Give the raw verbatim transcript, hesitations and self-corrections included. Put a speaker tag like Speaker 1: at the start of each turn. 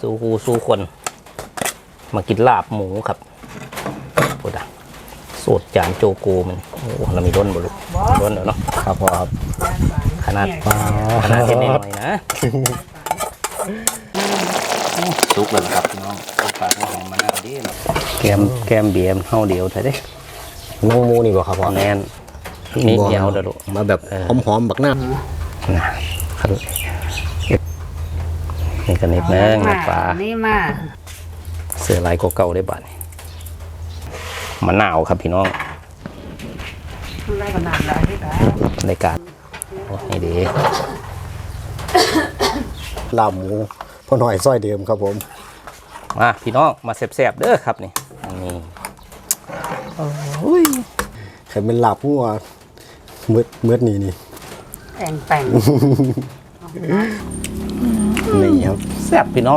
Speaker 1: สู้คูสู้คนมากินลาบหมูครับพูดอ่ะสูตรจานโจโกมันโอ้เรามีร้นบ่ลูกร้นเดี๋ยวเนาะ
Speaker 2: ครับพ่อครับ
Speaker 1: ขนาดขนาดเท่นหน่อยนะซุกเลยครับพี่น้องปลาข้าวหอมมะนาวดีนะแกมแกมเบียมเฮาเดียวเถอะเด้
Speaker 2: น้องมูนี่บ่ครับพ่อ
Speaker 1: แน่นนี่เดียวเด้อลูก
Speaker 2: มาแบบหอมๆบักหน้า
Speaker 1: นะนี่กันนิดนึงน้ำปลา
Speaker 3: นี่มา
Speaker 1: เสือลายเก่าๆได้บ้านมะนาวครับพี่น้อง
Speaker 3: ได้ขนาดไหนพี่ตา
Speaker 1: ในการโอ้นี่ดี
Speaker 2: ลาบหมูพ่อหน่อยซอยเดิมครับผม
Speaker 1: มาพี่น้องมาแซ่บๆเด้อครับนี่นี่โอ้ย
Speaker 2: ใครเป็นลาบหัวมืดมืดนี่นี่
Speaker 3: แต่งแต่ง
Speaker 2: นี่ครับ
Speaker 1: แซ่บพี่น้อง